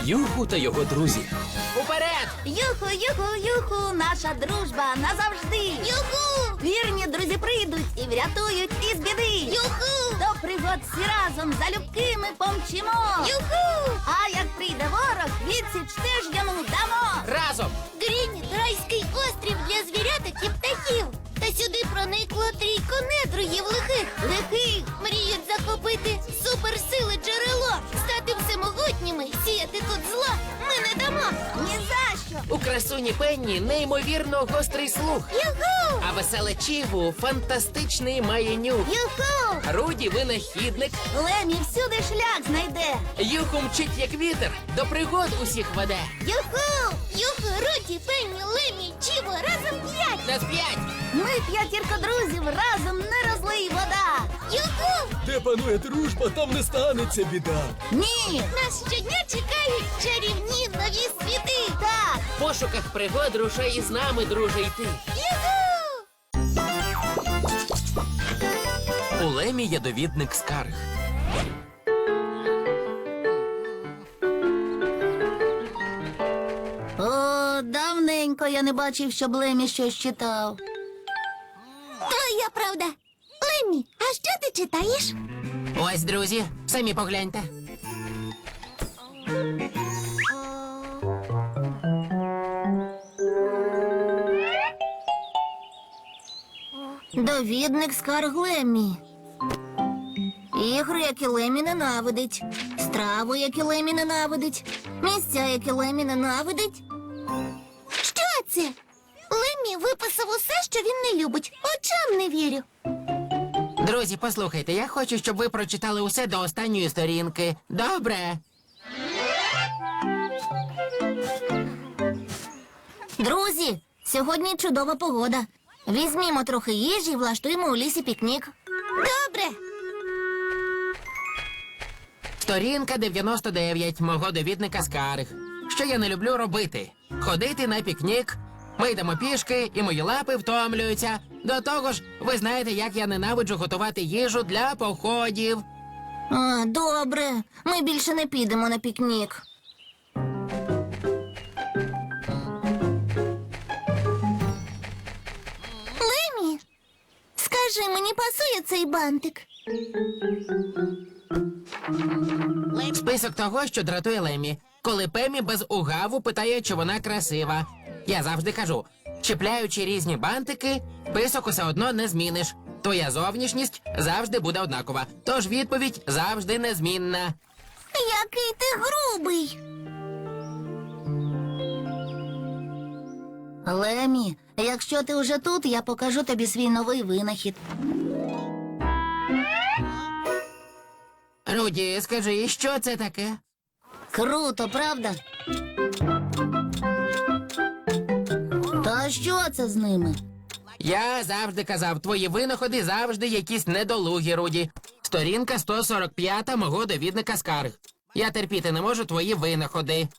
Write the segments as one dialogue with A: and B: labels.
A: Юху та його друзі.
B: Уперед!
C: Юху, юху, юху, наша дружба назавжди. Юху! Вірні друзі прийдуть і врятують із біди. Юху! До пригод всі разом залюбки ми помчимо. Юху! А як прийде ворог, відсіч теж йому дамо.
B: Разом!
C: Грінь – райський острів для звіряток і птахів. Та сюди проникло трійко недругів лихих. Мріють захопити суперсили джерело, стати всемогутніми, сіяти тут зло ми не дамо. Ні за що.
B: У красуні Пенні неймовірно гострий слух.
C: Юху!
B: А веселе Чіву фантастичний має нюх.
C: Юху!
B: Руді винахідник.
C: Лемі всюди шлях знайде.
B: Юху мчить як вітер, до пригод усіх веде.
C: Юху! Юху, Руді, Пенні, Лемі, Чіво, разом 5.
B: На 5!
C: Ми п'ятірка друзів, разом не розлий вода. Юху!
A: Де панує дружба, там не станеться біда.
C: Ні! Нас щодня чекають чарівні нові світи. Так!
B: В пошуках пригод рушай із нами, друже, йти.
C: Юху!
A: У Лемі є довідник скарг.
C: О, давненько я не бачив, щоб Лемі щось читав. Твоя правда. Лемі, а що ти читаєш?
B: Ось, друзі, самі погляньте.
C: Довідник скарг Лемі. Ігри, які Лемі ненавидить. Страву, які Лемі ненавидить. Місця, які Лемі ненавидить. Що це? Лемі виписав усе, що він не любить. Очам не вірю.
B: Друзі, послухайте, я хочу, щоб ви прочитали усе до останньої сторінки. Добре?
C: Друзі, сьогодні чудова погода. Візьмімо трохи їжі і влаштуємо у лісі пікнік. Добре.
B: Сторінка 99 мого довідника скарг. Що я не люблю робити? Ходити на пікнік. Ми йдемо пішки, і мої лапи втомлюються. До того ж, ви знаєте, як я ненавиджу готувати їжу для походів.
C: А, добре. Ми більше не підемо на пікнік. Лемі, скажи, мені пасує цей бантик?
B: Список того, що дратує Лемі. Коли Пемі без угаву питає, чи вона красива. Я завжди кажу, чіпляючи різні бантики, список усе одно не зміниш. Твоя зовнішність завжди буде однакова. Тож відповідь завжди незмінна.
C: Який ти грубий. Лемі, якщо ти вже тут, я покажу тобі свій новий винахід.
B: Руді, скажи, що це таке?
C: Круто, правда? Та що це з ними?
B: Я завжди казав, твої винаходи завжди якісь недолугі, Руді. Сторінка 145 мого довідника скарг. Я терпіти не можу твої винаходи.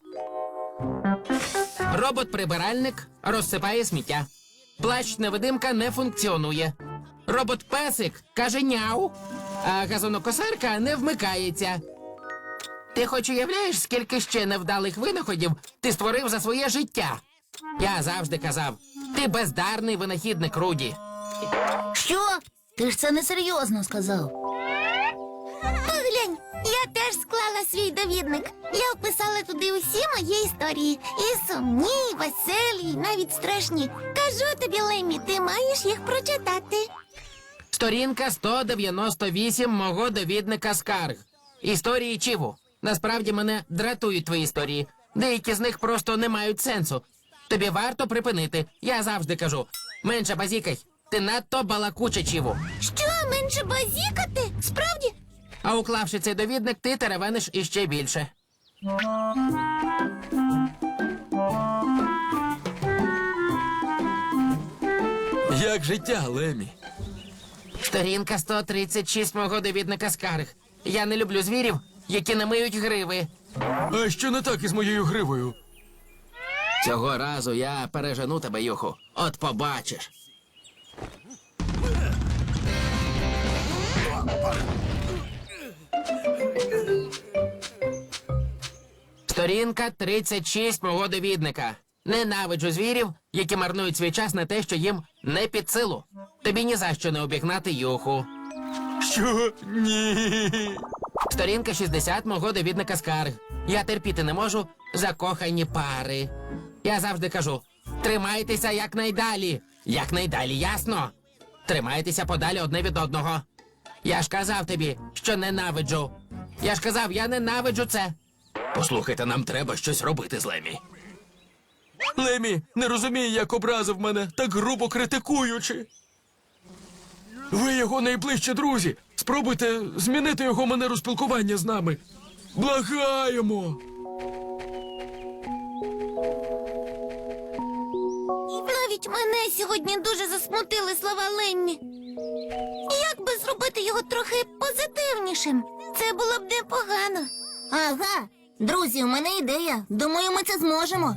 B: Робот-прибиральник розсипає сміття. Плащ-невидимка не функціонує. Робот-песик каже няу, а газонокосарка не вмикається. Ти хоч уявляєш, скільки ще невдалих винаходів ти створив за своє життя? Я завжди казав, ти бездарний винахідник, Руді.
C: Що? Ти ж це несерйозно сказав. Поглянь, я теж склала свій довідник. Я вписала туди усі мої історії. І сумні, і веселі, і навіть страшні. Кажу тобі, Лемі, ти маєш їх прочитати.
B: Сторінка 198 мого довідника скарг. Історії Чіву. Насправді мене дратують твої історії. Деякі з них просто не мають сенсу. Тобі варто припинити. Я завжди кажу. Менше базікай. Ти надто балакуча, Чіву.
C: Що, менше базікати? Справді?
B: А уклавши цей довідник, ти теревениш іще більше.
A: Як життя, Лемі?
B: Сторінка 136 мого довідника скарг. Я не люблю звірів, які не миють гриви.
A: А що не так із моєю гривою?
B: Цього разу я пережену тебе, Юху. От побачиш. Сторінка 36 мого довідника. Ненавиджу звірів, які марнують свій час на те, що їм не під силу. Тобі ні за що не обігнати Юху.
A: Що? Ні.
B: Сторінка 60 мого довідника скарг. Я терпіти не можу закохані пари. Я завжди кажу, тримайтеся якнайдалі. Якнайдалі, ясно? Тримайтеся подалі одне від одного. Я ж казав тобі, що ненавиджу. Я ж казав, я ненавиджу це.
A: Послухайте, нам треба щось робити з Лемі. Лемі не розуміє, як образив мене, так грубо критикуючи. Ви його найближчі друзі. Спробуйте змінити його манеру спілкування з нами. Благаємо.
C: Навіть мене сьогодні дуже засмутили слова Леммі. Як би зробити його трохи позитивнішим? Це було б непогано. Ага, друзі, у мене ідея. Думаю, ми це зможемо.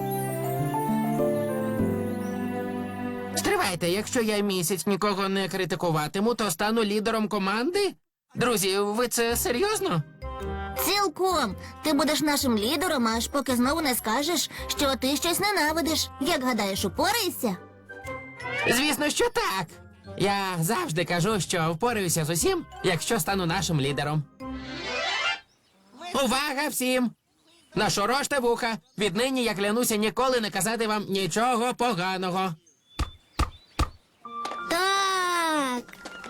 B: Стривайте, якщо я місяць нікого не критикуватиму, то стану лідером команди? Друзі, ви це серйозно?
C: Цілком. Ти будеш нашим лідером, аж поки знову не скажеш, що ти щось ненавидиш. Як гадаєш, упораєшся?
B: Звісно, що так. Я завжди кажу, що впораюся з усім, якщо стану нашим лідером. Увага всім! Нашороште вуха. Віднині я клянуся ніколи не казати вам нічого поганого.
C: Так.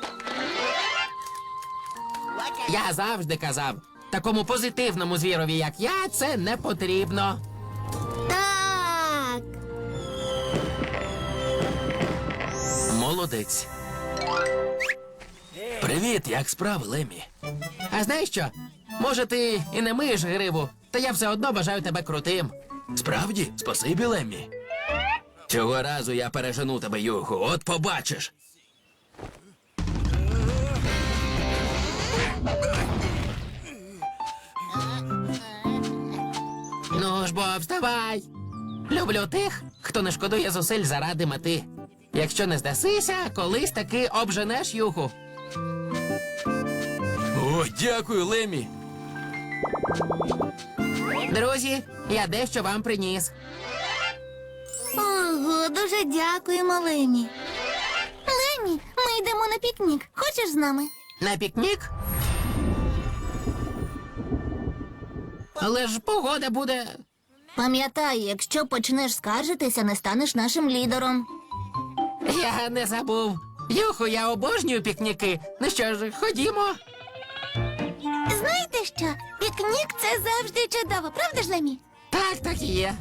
B: Я завжди казав, такому позитивному звірові, як я, це не потрібно.
C: Так.
A: Молодець. Привіт, як справи, Лемі?
B: А знаєш що? Може, ти і не миєш гриву, та я все одно бажаю тебе крутим.
A: Справді? Спасибі, Лемі. Цього разу я пережену тебе, Юху, от побачиш.
B: Ну ж бо, вставай. Люблю тих, хто не шкодує зусиль заради мети. Якщо не здасися, колись таки обженеш Юху.
A: О, дякую, Лемі.
B: Друзі, я дещо вам приніс.
C: Ого, дуже дякуємо, Лемі. Лемі, ми йдемо на пікнік. Хочеш з нами?
B: На пікнік? Але ж погода буде.
C: Пам'ятай, якщо почнеш скаржитися, не станеш нашим лідером.
B: Я не забув. Юху, я обожнюю пікніки. Ну що ж, ходімо.
C: Знаєте що? Пікнік – це завжди чудово, правда ж, Лемі?
B: Так, так і є.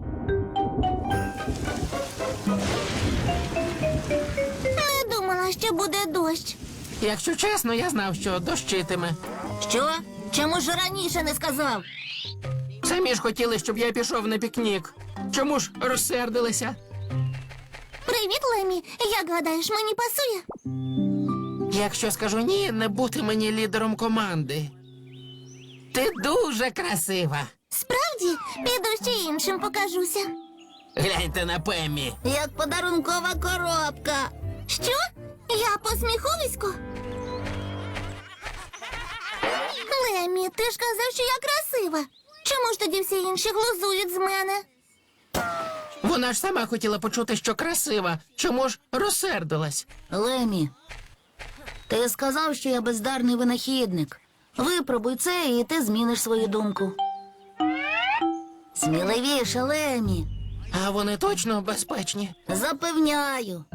C: Не думала, що буде дощ.
B: Якщо чесно, я знав, що дощитиме.
C: Що? Чому ж раніше не сказав?
B: Самі ж хотіли, щоб я пішов на пікнік. Чому ж розсердилися?
C: Привіт, Лемі. Як гадаєш, мені пасує?
B: Якщо скажу ні, не бути мені лідером команди. Ти дуже красива.
C: Справді, піду ще іншим покажуся.
B: Гляньте на Пеммі.
C: Як подарункова коробка. Що? Я посміховисько? Лемі, ти ж казав, що я красива. Чому ж тоді всі інші глузують з мене?
B: Вона ж сама хотіла почути, що красива. Чому ж розсердилась?
C: Лемі, ти сказав, що я бездарний винахідник. Випробуй це, і ти зміниш свою думку. Сміливіше, Лемі.
B: А вони точно безпечні?
C: Запевняю.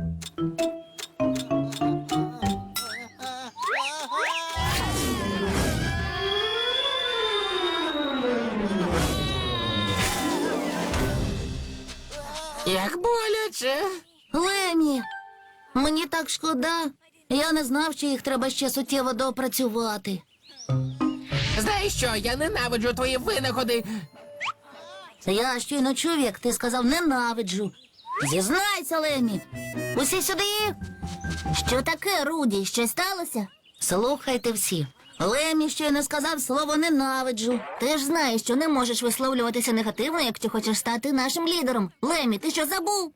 B: Як боляче.
C: Лемі, мені так шкода. Я не знав, що їх треба ще суттєво доопрацювати.
B: Знаєш що, я ненавиджу твої винаходи.
C: Я щойно чув, як ти сказав ненавиджу. Зізнайся, Лемі. Усі сюди. Що таке, Руді? Щось сталося? Слухайте всі. Лемі щойно сказав слово ненавиджу. Ти ж знаєш, що не можеш висловлюватися негативно, якщо хочеш стати нашим лідером. Лемі, ти що забув?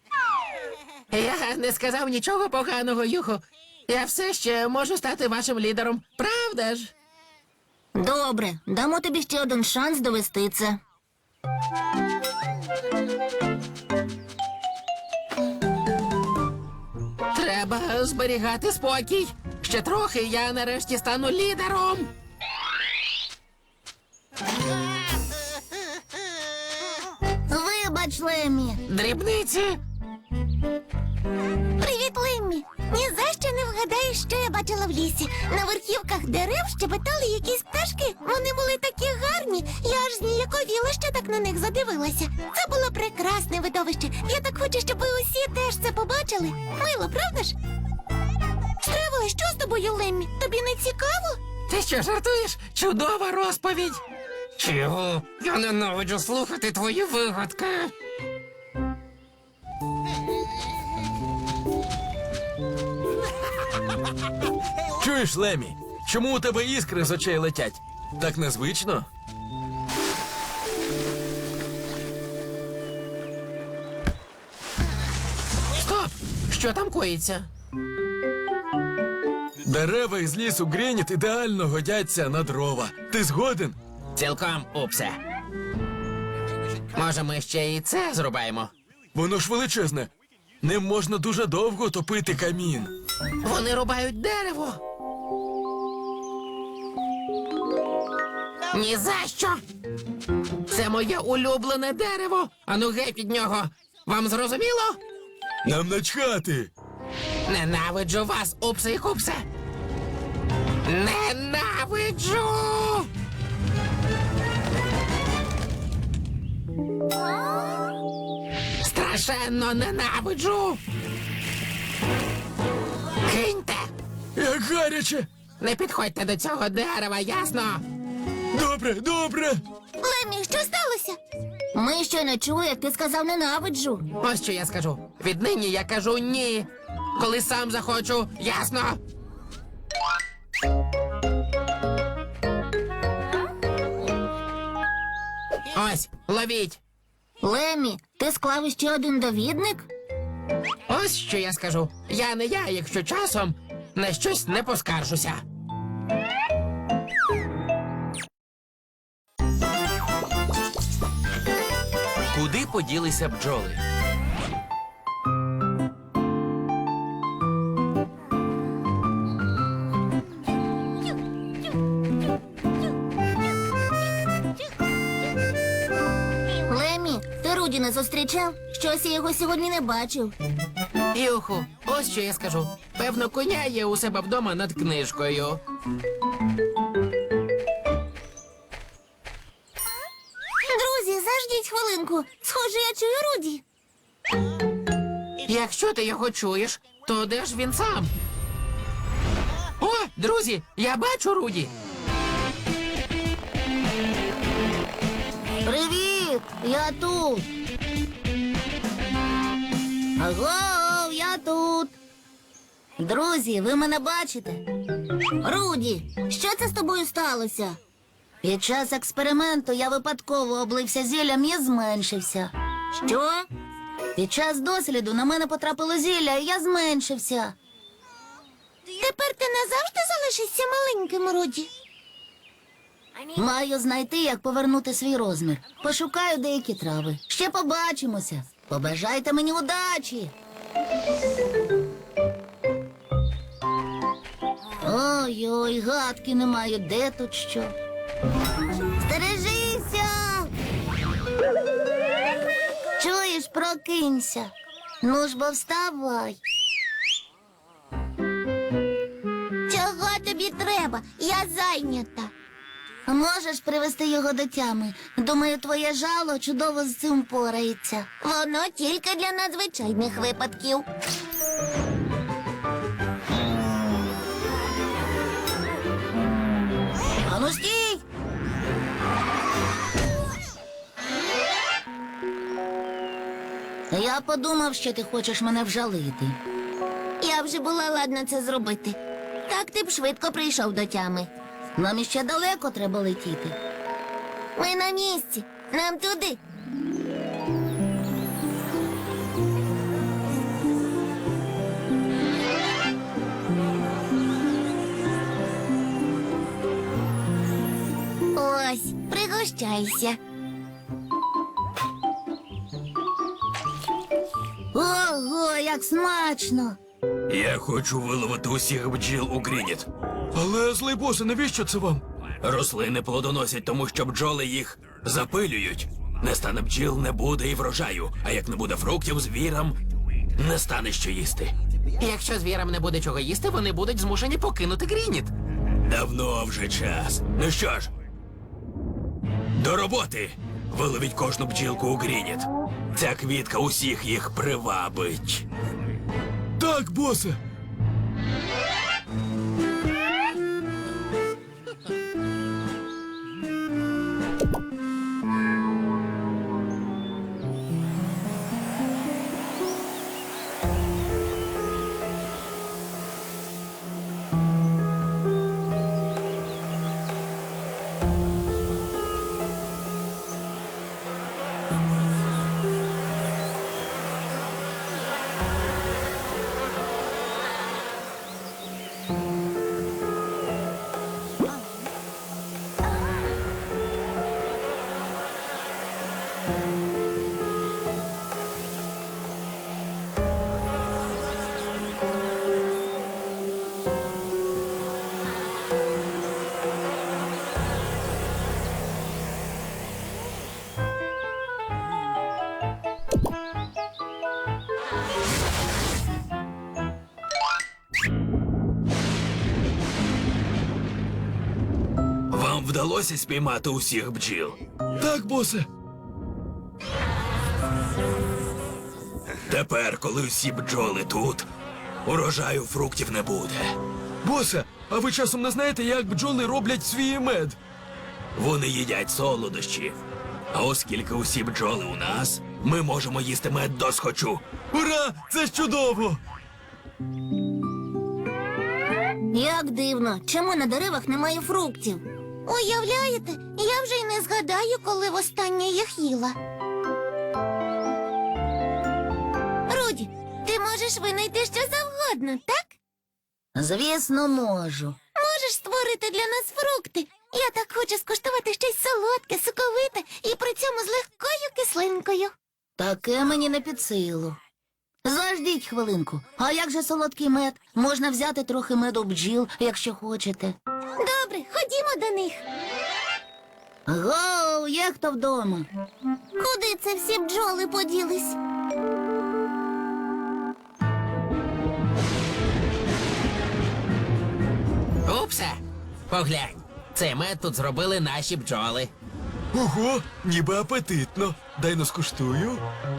B: Я не сказав нічого поганого, Юху. Я все ще можу стати вашим лідером. Правда ж?
C: Добре, дамо тобі ще один шанс довести це.
B: Треба зберігати спокій. Ще трохи, я нарешті стану лідером.
C: Вибач, Леммі.
B: Дрібниці.
C: Привіт, Леммі. Ні за що не вгадаєш, що я бачила в лісі. На верхівках дерев щебетали якісь пташки. Вони були такі гарні. Я аж зніяковіла, що так на них задивилася. Це було прекрасне видовище. Я так хочу, щоб ви усі теж це побачили. Мило, правда ж? Стривай, що з тобою, Леммі? Тобі не цікаво?
B: Ти що, жартуєш? Чудова розповідь. Чого? Я ненавиджу слухати твої вигадки.
A: Чуєш, Лемі? Чому у тебе іскри з очей летять? Так незвично?
B: Стоп! Що там коїться?
A: Дерева із лісу Грініт ідеально годяться на дрова. Ти згоден?
B: Цілком, Упсе. Може, ми ще і це зрубаємо?
A: Воно ж величезне. Ним можна дуже довго топити камін.
B: Вони рубають дерево. Ні за що. Це моє улюблене дерево. Ану геть від нього. Вам зрозуміло?
A: Нам начхати.
B: Ненавиджу вас, Упсе і Купсе. Ненавиджу! Страшенно ненавиджу! Киньте!
A: Як гаряче.
B: Не підходьте до цього дерева, ясно?
A: Добре, добре.
C: Леммі, що сталося? Ми ще не чули, як ти сказав ненавиджу.
B: Ось що я скажу. Віднині я кажу ні. Коли сам захочу, ясно? Ось, ловіть.
C: Леммі, ти склав іще один довідник?
B: Ось що я скажу. Я не я, якщо часом на щось не поскаржуся.
A: Куди поділися бджоли?
C: Леммі, ти Руді не зустрічав? Щось я його сьогодні не бачив.
B: Юху, ось що я скажу. Певно, коня є у себе вдома над книжкою.
C: Друзі, заждіть хвилинку. Схоже, я чую Руді.
B: Якщо ти його чуєш, то де ж він сам? О, друзі, я бачу Руді.
C: Привіт! Я тут. Аго, я тут. Друзі, ви мене бачите? Руді, що це з тобою сталося? Під час експерименту я випадково облився зіллям і зменшився. Що? Під час досліду на мене потрапило зілля, і я зменшився. Тепер ти назавжди залишишся маленьким, Руді? Маю знайти, як повернути свій розмір. Пошукаю деякі трави. Ще побачимося. Побажайте мені удачі. Ой-ой, гадки не маю, де тут що. Стережися! Чуєш, прокинься. Ну ж бо вставай. Чого тобі треба? Я зайнята. Можеш привести його до тями. Думаю, твоє жало чудово з цим порається. Воно тільки для надзвичайних випадків. Ану стій! Я подумав, що ти хочеш мене вжалити. Я вже була ладна це зробити. Так ти б швидко прийшов до тями. Нам іще далеко треба летіти. Ми на місці. Нам туди. пригощайся. Ого, як смачно!
A: Я хочу виловити усіх бджіл у Грініт. Але, злий босе, навіщо це вам? Рослини плодоносять, тому що бджоли їх запилюють. Не стане бджіл, не буде і врожаю. А як не буде фруктів, звірам не стане що їсти.
B: Якщо звірам не буде чого їсти, вони будуть змушені покинути Грініт.
A: Давно вже час. Ну що ж, до роботи! Виловіть кожну бджілку у Грініт. Ця квітка усіх їх привабить. Так, босе. Вам вдалося спіймати усіх бджіл? Так, босе. Тепер, коли всі бджоли тут, урожаю фруктів не буде. Босе, а ви часом не знаєте, як бджоли роблять свій мед? Вони їдять солодощі. А оскільки усі бджоли у нас, ми можемо їсти мед досхочу. Ура! Це ж чудово!
C: Як дивно, чому на деревах немає фруктів? Уявляєте, я вже й не згадаю, коли востаннє їх їла. Руді, ти можеш винайти що завгодно, так? Звісно, можу. Можеш створити для нас фрукти. Я так хочу скуштувати щось солодке, соковите і при цьому з легкою кислинкою. Таке мені не під силу. Заждіть хвилинку. А як же солодкий мед? Можна взяти трохи меду бджіл, якщо хочете. Добре, ходімо до них. Гоу, є хто вдома? Куди це всі бджоли поділись?
B: Упсе! Поглянь, цей мед тут зробили наші бджоли.
A: Ого, ніби апетитно. Дай но скуштую.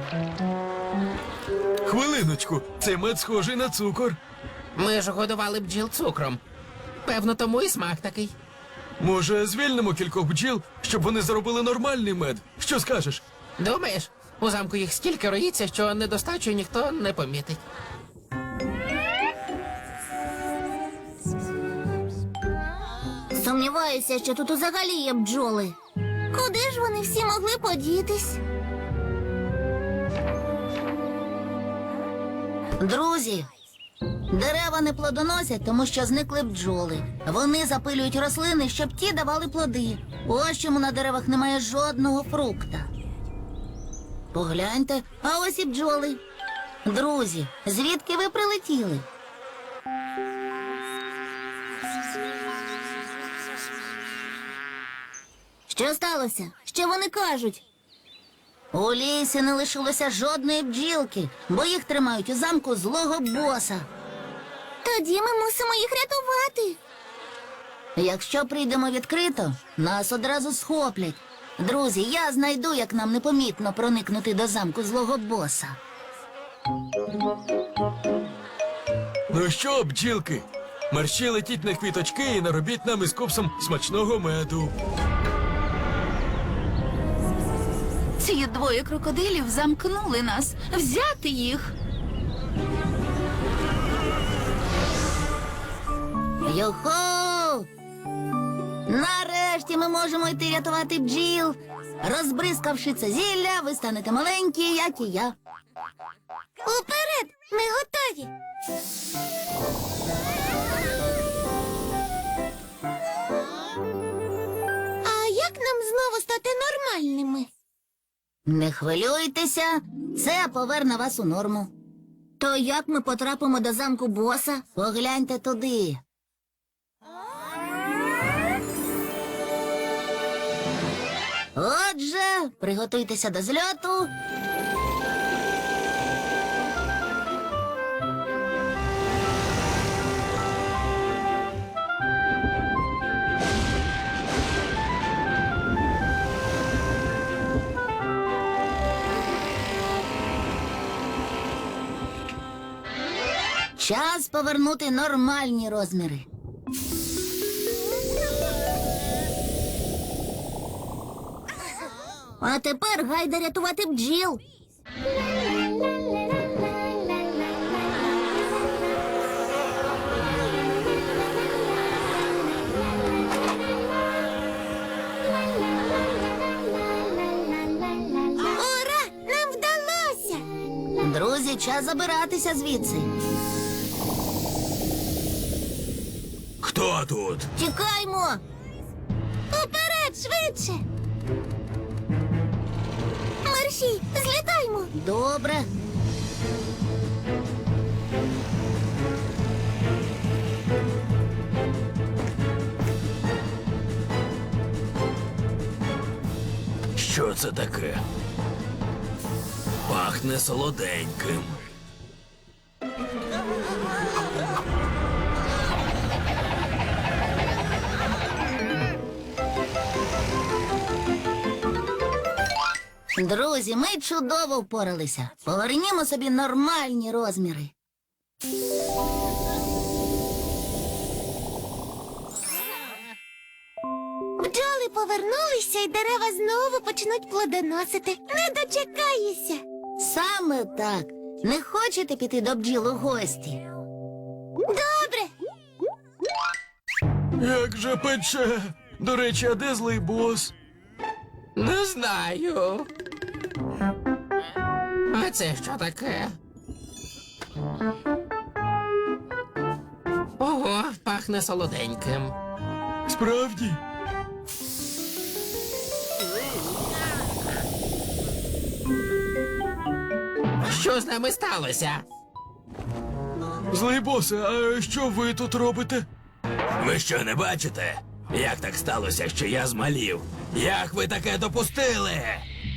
A: Хвилиночку, цей мед схожий на цукор.
B: Ми ж годували бджіл цукром. Певно, тому і смак такий.
A: Може, звільнимо кількох бджіл, щоб вони заробили нормальний мед? Що скажеш?
B: Думаєш, у замку їх стільки роїться, що недостачу ніхто не помітить.
C: Сумніваюся, що тут взагалі є бджоли. Куди ж вони всі могли подітись? Друзі, дерева не плодоносять, тому що зникли бджоли. Вони запилюють рослини, щоб ті давали плоди. Ось чому на деревах немає жодного фрукта. Погляньте, а ось і бджоли. Друзі, звідки ви прилетіли? Що сталося? Що вони кажуть? У лісі не лишилося жодної бджілки, бо їх тримають у замку злого боса. Тоді ми мусимо їх рятувати. Якщо прийдемо відкрито, нас одразу схоплять. Друзі, я знайду, як нам непомітно проникнути до замку злого боса.
A: Ну що, бджілки? Мерщі летіть на квіточки і наробіть нам із копсом смачного меду.
D: Ці двоє крокодилів замкнули нас. Взяти їх.
C: Йохо! Нарешті ми можемо йти рятувати бджіл. Розбризкавши це зілля, ви станете маленькі, як і я. Уперед! Ми готові! А як нам знову стати нормальними.
E: Не хвилюйтеся, це поверне вас у норму. То як ми потрапимо до замку боса? Погляньте туди. Отже, приготуйтеся до зльоту. Час повернути нормальні розміри. А тепер гайда рятувати бджіл.
C: Ура! Нам вдалося!
E: Друзі, час забиратися звідси.
A: Хто тут?
E: Тікаймо!
C: Уперед, швидше! Мерші, злітаймо!
E: Добре.
A: Що це таке? Пахне солоденьким.
E: Друзі, ми чудово впоралися. Повернімо собі нормальні розміри.
C: Бджоли повернулися, і дерева знову почнуть плодоносити. Не дочекаюся.
E: Саме так. Не хочете піти до бджіл у гості?
C: Добре.
A: Як же пече. До речі, а де злий бос?
B: Не знаю. А це що таке? Ого, пахне солоденьким.
A: Справді?
B: Що з нами сталося?
A: Злий босе, а що ви тут робите? Ви що, не бачите? Як так сталося, що я змалів? Як ви таке допустили?